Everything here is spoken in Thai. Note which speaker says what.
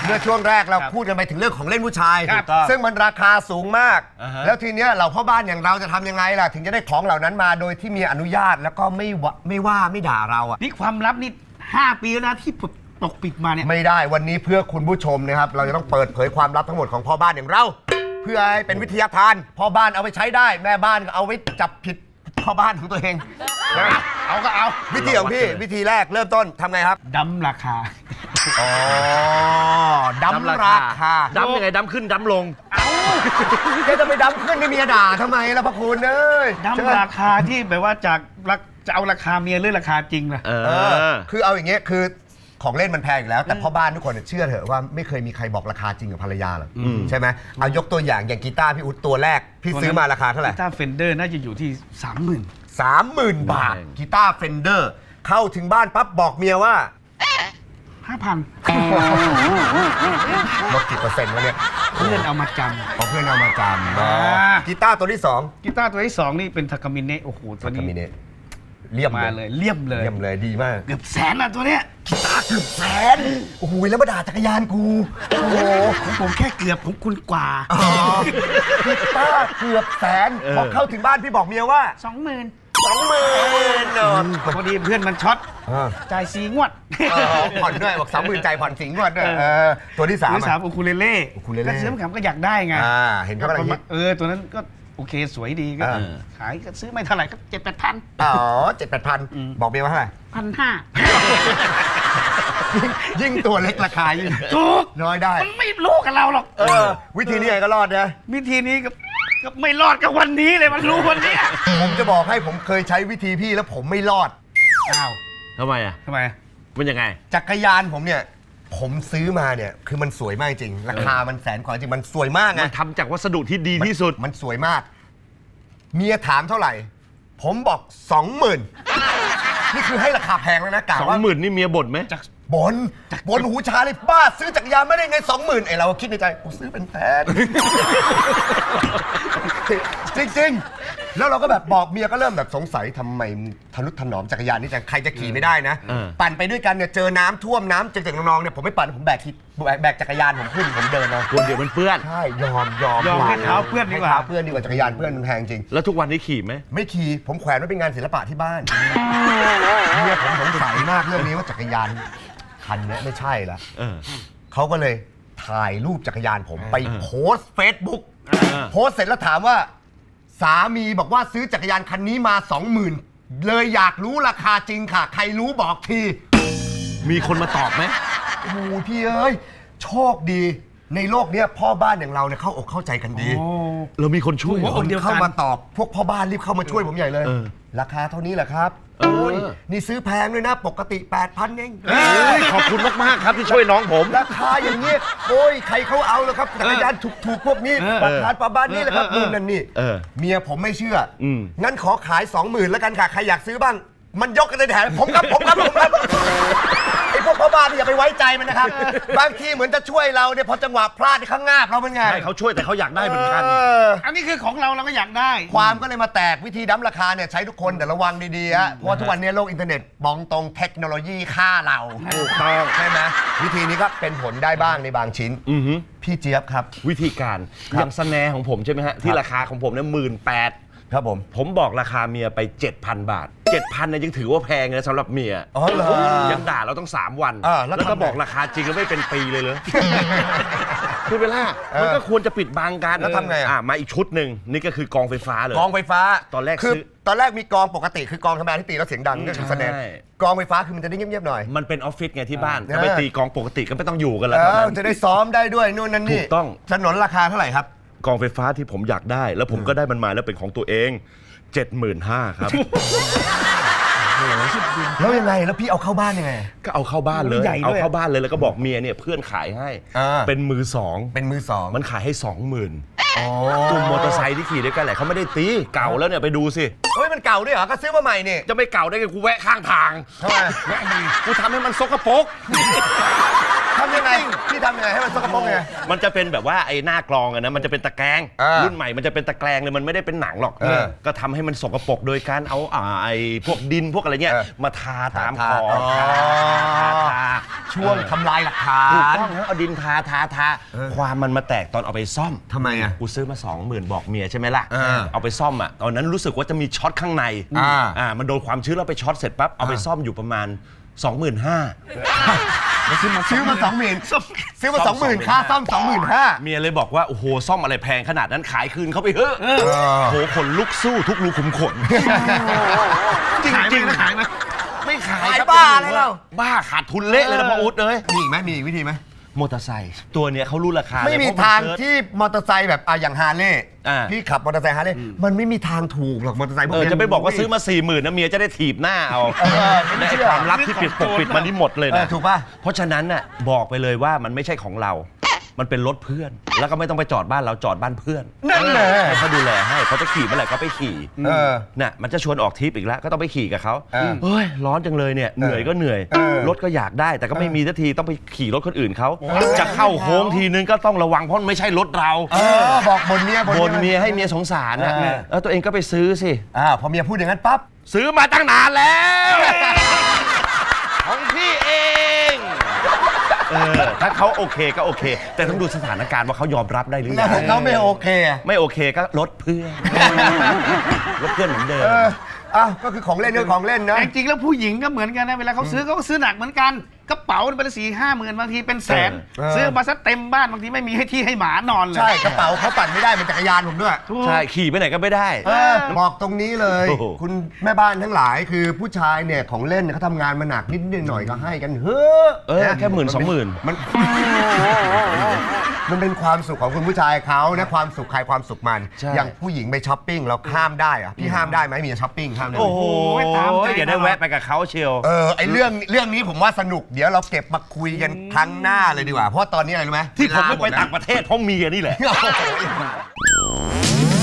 Speaker 1: มื่อช่วงแรกเราพูดกันไปถึงเรื่องของเล่นผู้ชาย ซึ่งมันราคาสูงมาก แล้วทีเนี้ยเราพ่อบ้านอย่างเราจะทำยังไงล่ะถึงจะได้ของเหล่านั้นมาโดยที่มีอนุญาตแล้วก็ไม่ว่าไม่ด่าเราอ่ะ
Speaker 2: นี่ความลับนี่5 ปีแล้วนะที่ปกปิดมาเนี่ย
Speaker 1: ไม่ได้วันนี้เพื่อคุณผู้ชมนะครับเราจะต้องเปิดเผยความลับทั้งหมดของพ่อบ้านอย่างเราเพื่อให้เป็นวิทยาทานพ่อบ้านเอาไปใช้ได้แม่บ้านก็เอาไว้จับผิดพ่อบ้านของตัวเองเอาก็เอาวิธีของพี่วิธีแรกเริ่มต้นทำไงครับ
Speaker 2: ดั้มราคา
Speaker 1: อ๋อดั้มราคา
Speaker 3: ดั้มยังไงดั้มขึ้นดั้มลง
Speaker 1: แกจะไปดั้มขึ้นให้เมียด่าทำไมล่ะพระคุณเอ้ย
Speaker 2: ดั้มราคาที่แบบว่าจะเอาราคาเมียหรือราคาจริงล่ะ
Speaker 1: คือเอาอย่างเงี้ยคือของเล่นมันแพงอยู่แล้วแต่พ่อบ้านทุกคนเชื่อเถอะว่าไม่เคยมีใครบอกราคาจริงกับภรรยาหรอกใช่ไหมเอายกตัวอย่างกีตาร์พี่อุ๊ดตัวแรกพี่ซื้อมาราคาเท่าไหร่
Speaker 2: กีตาร์เฟนเดอร์น่าจะอยู่ที่
Speaker 1: 30,000 บาทกีตาร์เฟนเดอร์เข้าถึงบ้านปั๊บบอกเมียว่า
Speaker 2: 5,000
Speaker 1: ลดกี่เปอร์เซ็นต์วะเนี่ย
Speaker 2: เพื่อนเอามาจำ
Speaker 1: เพื่อนเอามาจำกีตาร์ตัวที่2
Speaker 2: กีตาร์ตัวที่2นี่เป็นทากามิเนะโอ้โหตัวนี้
Speaker 1: เลี่ยม
Speaker 2: มาเลยเลี่ยม
Speaker 1: เลยดีมาก
Speaker 2: เกือบแสนอ่ะตัวเนี้ย
Speaker 1: กีตาร์เกือบแสนโอ้โหแล้วมาด่าจักรยานกูโอ้โห
Speaker 2: ของผมแค่เกือบของคุณกว่า
Speaker 1: กีตาร์เกือบแสนพอเข้าถึงบ้านพี่บอกเมียว่า
Speaker 2: 20,000
Speaker 1: พ
Speaker 2: อดีเพื่อนมันช็อตจ่าย4 งวด
Speaker 1: ผ่อนด้วยบอก 30,000 ใจผ่อน4 งวดด้วยตัวที่3
Speaker 2: อูคูเลเล่ก็ซื้อมาขำก็อยากได้ไง
Speaker 1: เห็นเขาอะไร
Speaker 2: ตัวนั้นก็โอเคสวยดีก็ขายก็ซื้อไม่เท่าไหร่ก็7-8,000
Speaker 1: อ๋อ7-8,000บอกเมียว่าเท่าไหร่
Speaker 2: 1,500
Speaker 1: ยิ่งตัวเล็กราคายิ่ง
Speaker 2: ถูก
Speaker 1: น้อยได้
Speaker 2: มันไม่รู้กับเราหรอก
Speaker 1: วิธีนี้ไงก็รอดนะ
Speaker 2: วิธีนี้ก็ไม่รอดกับวันนี้เลยมันรู้วันนี้
Speaker 1: ผมจะบอกให้ผมเคยใช้วิธีพี่แล้วผมไม่รอด
Speaker 2: อ้าว
Speaker 3: ทำไมอ่ะมันยังไง
Speaker 1: จักรยานผมเนี่ยผมซื้อมาเนี่ยคือมันสวยมากจริงราคามันแสนกว่าจริงมันสวยมากไง
Speaker 3: มันทำจากวัสดุที่ดีที่สุด
Speaker 1: มันสวยมากเมียถามเท่าไหร่ผมบอก 20,000นี่คือให้ราคาแพงแล้วนะกะว่า
Speaker 3: 20,000นี่เมียบ่นไหม
Speaker 1: บ่นหูชาเลยบ้าซื้อจักรยานไม่ได้ไง 20,000ไอเราคิดในใจกูซื้อเป็นแสนจริงๆแล้วเราก็แบบบอกเมียก็เริ่มแบบสงสัยทำไมทนุถนอมจักรยานนี่จังใครจะขี่ไม่ได้นะปั่นไปด้วยกันเนี่ยเจอน้ำท่วมน้ำเจ็บๆน้องๆเนี่ยผมไม่ปั่นผมแบกจักรยานผมขึ้นผมเดินเอา
Speaker 3: คนเดียวมันเปื้อน
Speaker 1: ใช่ยอม
Speaker 2: ให้เท้าเพื่อนดีกว่า
Speaker 1: จักรยานเพื่อนมันแพงจริง
Speaker 3: แล้วทุกวันนี้ขี่ไหม
Speaker 1: ไม่ขี่ผมแขวนไว้เป็นงานศิลปะที่บ้านเนี่ยผมสงสัยมากเรื่องนี้ว่าจักรยานคันนี้ไม่ใช่ละเขาก็เลยถ่ายรูปจักรยานผมไปโพสเฟซบุ๊กโพสเสร็จแล้วถามว่าสามีบอกว่าซื้อจักรยานคันนี้มา 20,000เลยอยากรู้ราคาจริงค่ะใครรู้บอกที
Speaker 3: มีคนมาตอบไหม
Speaker 1: โอ้พี่เอ้ยโชคดีในโลกนี้พ่อบ้านอย่างเราเนี่ยเข้าอกเข้าใจกันดี
Speaker 3: เรามีคนช่วย
Speaker 1: คนเดียวเข้ามาตอบพวกพ่อบ้านรีบเข้ามาช่วยผมใหญ่เลยราคาเท่านี้แหละครับโอ้ยนี่ซื้อแพงด้วยนะปกติ 8,000 เอง
Speaker 3: ขอบคุณมากๆครับที่ช่วยน้องผม
Speaker 1: ราคาอย่างเงี้ยโอ้ยใครเขาเอาแล้วครับจักรยานถูกๆพวกนี้ราคาประมาณนี้แหละครับนู่นนั่นนี่เมียผมไม่เชื่องั้นขอขาย 20,000แล้วกันค่ะใครอยากซื้อบ้างมันยกกันในแถวผมครับไอ้พวกพ่อบ้านอย่าไปไว้ใจมันนะครับบางทีเหมือนจะช่วยเราเนี่ยพอจังหวะพลาดข้างหน้าเราเป็นไง
Speaker 3: ใช่เขาช่วยแต่เขาอยากได้เหมือนกัน
Speaker 2: อันนี้คือของเราก็อยากได้
Speaker 1: ความก็เลยมาแตกวิธีดั้มราคาเนี่ยใช้ทุกคนแต่ระวังดีๆฮะเพราะว่าทุกวันนี้โลกอินเทอร์เน็ตบองตรงเทคโนโลยีฆ่าเรา
Speaker 3: ถูกต้อง
Speaker 1: ใช่ไหมวิธีนี้ก็เป็นผลได้บ้างในบางชิ้นพี่เจี๊ยบครับ
Speaker 3: วิธีการอย่างสแนร์ของผมใช่ไหมฮะที่ราคาของผมเนี่ย18,000
Speaker 1: ครับ
Speaker 3: ผมบอกราคาเมียไป 7,000 บาท 7,000เนี่ยยังถือว่าแพงเลยสำหรับเมีย
Speaker 1: อ๋อเหรอ
Speaker 3: ยังด่าเราต้อง3 วันแล้วก็บอกราคาจริงแล้วไม่เป็นปีเลยคือเวลามันก็ควรจะปิดบังกัน
Speaker 1: แล้วทำไง
Speaker 3: มาอีกชุดหนึ่งนี่ก็คือกองไฟฟ้าเลย
Speaker 1: กองไฟฟ้า
Speaker 3: ตอนแรก
Speaker 1: คือตอนแรกมีกองปกติคือกองธรรมดาที่ตีแล้วเสียงดังก็คือแสดงกองไฟฟ้าคือมันจะได้เงียบๆหน่อย
Speaker 3: มันเป็นออฟฟิศไงที่บ้านถ้าไปตีกองปกติก็ไม่ต้องอยู่กันแล้ว
Speaker 1: จะได้ซ้อมได้ด้วยนู่นนั่นนี่
Speaker 3: ถูกต้อง
Speaker 1: ถนนราคาเท่าไหร่ครับ
Speaker 3: กองไฟฟ้าที่ผมอยากได้แล้วผมก็ได้มันมาแล้วเป็นของตัวเอง 75,000 ครับ
Speaker 1: แล้วยังไงแล้วพี่เอาเข้าบ้านยังไง
Speaker 3: ก็เอาเข้าบ้านเลยเอาเข้าบ้านเลยแล้วก็บอกเมียเนี่ยเพื่อนขายให้เป็นมือสองมันขายให้ 20,000กลุ่มมอเตอร์ไซค์ที่ขี่ด้วยกันแหละเขาไม่ได้ตีเก่าแล้วเนี่ยไปดูสิ
Speaker 1: เฮ้ยมันเก่าด้วยเหรอก็ซื้อมาใหม่เนี่ย
Speaker 3: จะไม่เก่าได้ไงกูแวะข้างทาง
Speaker 1: ทำไม
Speaker 3: กูทำให้มันซกปรก
Speaker 1: ทำไงยังไงพี่ทำยังไงให้มันสกปรกไง
Speaker 3: มันจะเป็นแบบว่าไอ้หน้ากรองอะนะมันจะเป็นตะแกรง รุ่นใหม่มันจะเป็นตะแกรงเลยมันไม่ได้เป็นหนังหรอกก็ทำให้มันสกปรกโดยการเอาไอ้พวกดินพวกอะไรเงี้ยมาทาตามขอบทา
Speaker 1: ช่วงทำลายหลักฐา
Speaker 3: ถูก
Speaker 1: น
Speaker 3: ต้องแล้วเอาดินทาความมันมาแตกตอนเอาไปซ่อม
Speaker 1: ทำไมอ่ะ
Speaker 3: กูซื้อมา 20,000บอกเมียใช่ไหมล่ะเอาไปซ่อมอ่ะตอนนั้นรู้สึกว่าจะมีช็อตข้างในมันโดนความชื้นแล้วไปช็อตเสร็จปั๊บเอาไปซ่อมอยู่ประมาณ 25,000
Speaker 1: ซื้อมา20,000ซื้อมา 20,000ค่าซ่อม 25,000
Speaker 3: เมียเลยบอกว่าโอ้โหซ่อมอะไรแพงขนาดนั้นขายคืนเขาไปเถอะโหขนลุกสู้ทุกรูขุมขนจริงๆขายไหมไม่ขาย
Speaker 1: ขายบ้าเลยเรา
Speaker 3: บ้าขาดทุนเละเลยนะพ่ออุ๊ดเลย
Speaker 1: มีอีกไหมมีอีกวิธีไหม
Speaker 3: มอเตอร์ไซค์ตัวเนี้ยเขารู้ราคา
Speaker 1: ไม่มี
Speaker 3: เลยเพระ
Speaker 1: ทาง
Speaker 3: นเซิร์ช
Speaker 1: ที่มอเตอร์ไซค์แบบอย่างฮาร์เลย์พี่ขับมอเตอร์ไซค์ฮาร์เลย์มันไม่มีทางถูกหรอกมอเตอร์ไซค์พวกนี้
Speaker 3: จะไปบอกว่าซื้อมา 40,000นะเมียจะได้ถีบหน้าเอาและไอ้ความลับที่ปกปิดมันนี่หมดเลยนะ
Speaker 1: ถูกป่ะ
Speaker 3: เพราะฉะนั้นน่ะบอกไปเลยว่ามันไม่ใช่ของเรา มันเป็นรถเพื่อน แล้วก็ไม่ต้องไปจอดบ้านเราจอดบ้านเพื่อน
Speaker 1: นั่นแหละ
Speaker 3: ให้เขาดูแลให้เขาจะขี่เมื่อไหร่ก็ไปขี่น่ะมันจะชวนออกทริปอีกแล้วก็ต้องไปขี่กับเขาเฮ้ยร้อนจังเลยเนี่ยเหนื่อยก็เหนื่อยรถก็อยากได้แต่ก็ไม่มีสักทีต้องไปขี่รถคนอื่นเขาจะเข้าโค้งทีนึงก็ต้องระวังเพราะมันไม่ใช่รถเรา
Speaker 1: บอกบนเมีย
Speaker 3: บนเมียให้เมียสงสารนะแล้วตัวเองก็ไปซื้อสิ
Speaker 1: พอเมียพูดอย่างนั้นปั๊บ
Speaker 3: ซื้อมาตั้งนานแล้วของพี่เองถ้าเขาโอเคก็โอเค แต่ต้องดูสถานการณ์ว่าเขายอมรับได้หรือยัง
Speaker 1: เขาไม่โอเค
Speaker 3: ไม่โอเคก็ลดเพื่อนลดเพื่อนเหมือนเดิม
Speaker 1: ก็คือของเล่นเรื่องของเล่นนะ
Speaker 2: แต่จริงๆแล้วผู้หญิงก็เหมือนกันนะเวลาเขาซื้อเขาก็ซื้อหนักเหมือนกันกระเป๋าเป็น4-5 หมื่นบางทีเป็นแสนซื้อมาซะเต็มบ้านบางทีไม่มีให้ที่ให้หมานอนเลย
Speaker 1: ใช่กระเป๋าเขาปั่นไม่ได้เป็นจักรยานผมด้วย
Speaker 3: ใช่ขี่ไปไหนก็ไม่ได้
Speaker 1: บอกตรงนี้เลย
Speaker 3: โอ้โห
Speaker 1: คุณแม่บ้านทั้งหลายคือผู้ชายเนี่ยของเล่นเนี่ยเขาทำงานมาหนักนิดหน่อยก็ให้กันเฮ้อ
Speaker 3: แค่10,000-20,000
Speaker 1: มันเป็นความสุขของคุณผู้ชายเขานะความสุขใครความสุขมัน
Speaker 3: ใช่
Speaker 1: อย่างผู้หญิงไปช้อปปิ้งเราห้ามได้อะพี่ห้ามได้ไหมมีช้อปปิ้งห้ามได้ไหม
Speaker 3: โอ้โหอย่าได้แวะไปกับเขาเชียว
Speaker 1: ไอเรื่องนี้ผมว่าสนุกเดี๋ยวเราเก็บมาคุยกันครั้งหน้าเลยดีกว่าเพราะว่าตอนนี้อะไรรู้ไหม
Speaker 3: ที่ผมไม่ไป
Speaker 1: เวลาหด
Speaker 3: ต่างประเทศเพราะเมียนี่แหละ
Speaker 1: แล้ว